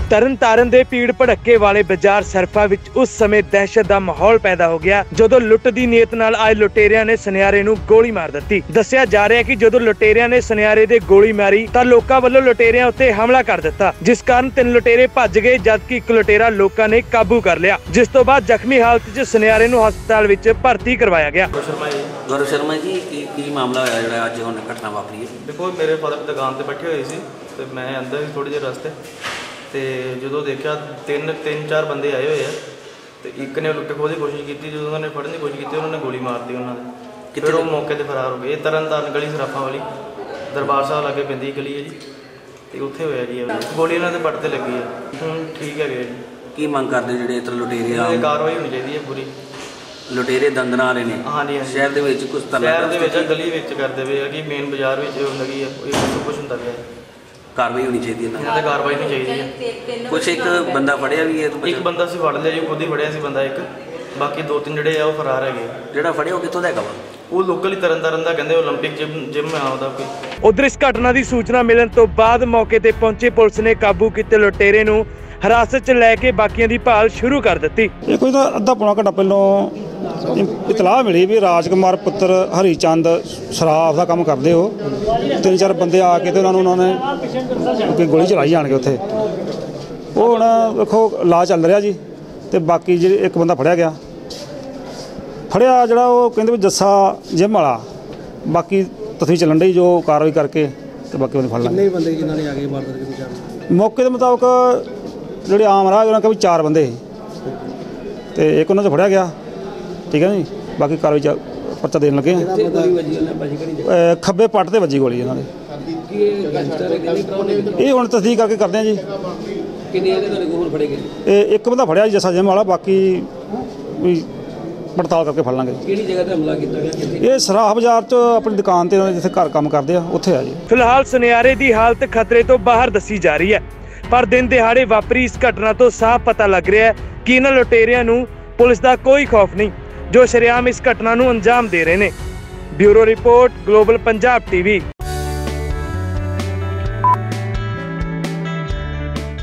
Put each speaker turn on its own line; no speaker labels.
ਤਰਨਤਾਰਨ ਦੇ ਭੀੜ ਭੜੱਕੇ ਵਾਲੇ ਬਾਜ਼ਾਰ ਸਰਫਾ ਵਿੱਚ ਉਸ ਸਮੇਂ ਦਹਿਸ਼ਤ ਦਾ ਮਾਹੌਲ ਪੈਦਾ ਹੋ ਗਿਆ ਜਦੋਂ ਲੁੱਟ ਦੀ ਨੀਅਤ ਨਾਲ ਆਏ ਲੁਟੇਰਿਆਂ ਨੇ ਸੁਨਿਆਰੇ ਨੂੰ ਗੋਲੀ ਮਾਰ ਦਿੱਤੀ। ਦੱਸਿਆ ਜਾ ਰਿਹਾ ਹੈ ਕਿ ਜਦੋਂ ਲੁਟੇਰਿਆਂ ਨੇ ਸੁਨਿਆਰੇ ਦੇ ਗੋਲੀ ਮਾਰੀ ਤਾਂ ਲੋਕਾਂ ਵੱਲੋਂ ਲੁਟੇਰਿਆਂ ਉੱਤੇ ਹਮਲਾ ਕਰ ਦਿੱਤਾ, ਜਿਸ ਕਾਰਨ 3 ਲੁਟੇਰੇ ਭੱਜ ਗਏ ਜਦਕਿ ਇੱਕ ਲੁਟੇਰਾ ਲੋਕਾਂ ਨੇ ਕਾਬੂ ਕਰ ਲਿਆ, ਜਿਸ ਤੋਂ ਬਾਅਦ ਜ਼ਖਮੀ ਹਾਲਤ 'ਚ ਸੁਨਿਆਰੇ ਨੂੰ ਹਸਪਤਾਲ ਵਿੱਚ ਭਰਤੀ ਕਰਵਾਇਆ ਗਿਆ।
गौरव शर्मा जी की मामला होया जो अज हुण घटना वापरी है?
देखो मेरे फादर दुकान पर बैठे हुए सी ते मैं अंदर ही थोड़ी देर रस्ते तो जो देखा तीन चार बंदे आए हुए हैं तो एक ने लुट्ट खोह की कोशिश की, जो उन्होंने फड़ने की कोशिश की उन्होंने गोली मार दी उन्होंने, फिर वो मौके पर फरार हो गए। तरनताਰਨ गली सराफा वाली दरबार साहब लागे पैंदी गली है जी, तो उत्थे होया जी गोली उन्होंने पट ते लगी है। ठीक है जी,
की मंग करते जो इधर लुटेरे
कार्रवाई होनी चाहिए है पूरी।
लुटेरे दंदना रहे ने? हाँ जी, शहर के कुछ
शहर गली करते पे कि मेन बाजार लगी है सब कुछ होता गया।
कार्रवाई होनी चाहिए,
कार्रवाई नहीं चाहिए।
कुछ एक बंदा फड़िया भी है?
एक बंदा से फड़ लिया जी, खुद ही फड़िया सी बंदा एक, बाकी 2-3 ਜਿਹੜੇ ਆ ਉਹ ਫਰਾਰ ਹੈਗੇ।
ਜਿਹੜਾ ਫੜਿਆ ਉਹ ਕਿੱਥੋਂ ਦਾ ਹੈਗਾ ਵਾ?
ਉਹ ਲੋਕਲ ਹੀ ਤਰਨਤਾਰਨ ਦਾ, ਕਹਿੰਦੇ 올림픽 ਜਿਮ ਆ ਉਹਦਾ ਕੋਈ।
ਉਧਰ ਇਸ ਘਟਨਾ ਦੀ ਸੂਚਨਾ ਮਿਲਣ ਤੋਂ ਬਾਅਦ ਮੌਕੇ ਤੇ ਪਹੁੰਚੀ ਪੁਲਿਸ ਨੇ ਕਾਬੂ ਕੀਤੇ ਲੁਟੇਰੇ ਨੂੰ ਹਿਰਾਸਤ 'ਚ ਲੈ ਕੇ ਬਾਕੀਆਂ ਦੀ ਭਾਲ ਸ਼ੁਰੂ ਕਰ ਦਿੱਤੀ।
ਇਹ ਕੋਈ ਤਾਂ ਅੱਧਾ ਪੌਣਾ ਘੰਟਾ ਪਹਿਲਾਂ ਇਤਲਾਹ ਮਿਲੀ ਵੀ ਰਾਜਕੁਮਾਰ ਪੁੱਤਰ ਹਰੀ ਚੰਦ ਸ਼ਰਾਬ ਦਾ ਕੰਮ ਕਰਦੇ ਹੋ, 3-4 ਬੰਦੇ ਆ ਕੇ ਤੇ ਉਹਨਾਂ ਨੇ ਕੋਈ ਗੋਲੀ ਚਲਾਈ ਜਾਣਗੇ ਉੱਥੇ। ਉਹ ਹੁਣ ਵੇਖੋ ਇਲਾਜ ਚੱਲ ਰਿਹਾ ਜੀ, ਤੇ ਬਾਕੀ ਜਿਹੜੇ ਇੱਕ ਬੰਦਾ ਫੜਿਆ ਗਿਆ ਜਿਹੜਾ ਉਹ ਕਹਿੰਦੇ ਵੀ ਜੱਸਾ ਜਿਮ ਵਾਲਾ, ਬਾਕੀ ਤਸਵੀਰ ਚੱਲਣ ਡਈ ਜੋ ਕਾਰਵਾਈ ਕਰਕੇ ਤੇ ਬਾਕੀ ਉਹਨੇ ਫੜ ਲਾਂਗੇ।
ਕਿੰਨੇ ਬੰਦੇ ਜਿਨ੍ਹਾਂ ਨੇ ਆ ਕੇ ਵਾਰਦਾਤ ਕੀਤੀ?
ਮੌਕੇ ਦੇ ਮੁਤਾਬਕ ਜਿਹੜੇ ਆਮ ਰਾਹ ਉਹਨਾਂ ਕੋਲ 4 ਬੰਦੇ ਸੀ ਤੇ ਇੱਕ ਉਹਨਾਂ 'ਚ ਫੜਿਆ ਗਿਆ। ਠੀਕ ਹੈ ਜੀ, ਬਾਕੀ ਕਾਰਵਾਈ 'ਚ ਪਰਚਾ ਦੇਣ ਲੱਗੇ ਆ। ਖੱਬੇ ਪੱਟ ਤੇ ਵੱਜੀ ਗੋਲੀ ਇਹਨਾਂ ਦੇ। ਇਹ ਹੁਣ ਤਸਦੀਕ ਕਰਕੇ ਕਰਦੇ ਆ ਜੀ। ਇਹ ਇੱਕ ਬੰਦਾ ਫੜਿਆ ਜੀ ਜੱਸਾ ਜਿਮ ਵਾਲਾ, ਬਾਕੀ ਵੀ ਪੜਤਾਲ ਕਰਕੇ ਫੜ ਲਾਂਗੇ।
ਕਿਹੜੀ ਜਗ੍ਹਾ ਤੇ ਹਮਲਾ ਕੀਤਾ ਗਿਆ?
ਇਹ ਸਰਾਹ ਬਾਜ਼ਾਰ 'ਚ ਆਪਣੀ ਦੁਕਾਨ ਤੇ ਜਿੱਥੇ ਘਰ ਕੰਮ ਕਰਦੇ ਆ ਉੱਥੇ ਆ ਜੀ।
ਫਿਲਹਾਲ ਸੁਨਿਆਰੇ ਦੀ ਹਾਲਤ ਖਤਰੇ ਤੋਂ ਬਾਹਰ ਦੱਸੀ ਜਾ ਰਹੀ ਹੈ, ਪਰ ਦਿਨ ਦਿਹਾੜੇ ਵਾਪਰੀ ਇਸ ਘਟਨਾ ਤੋਂ ਸਾਫ਼ ਪਤਾ ਲੱਗ ਰਿਹਾ ਹੈ ਕਿ ਇਹਨਾਂ ਲੁਟੇਰਿਆਂ ਨੂੰ ਪੁਲਿਸ ਦਾ ਕੋਈ ਖੌਫ ਨਹੀਂ, ਜੋ ਸ਼ਰੇਆਮ ਇਸ ਘਟਨਾ ਨੂੰ ਅੰਜਾਮ ਦੇ ਰਹੇ ਨੇ। Bureau report, global Punjab TV.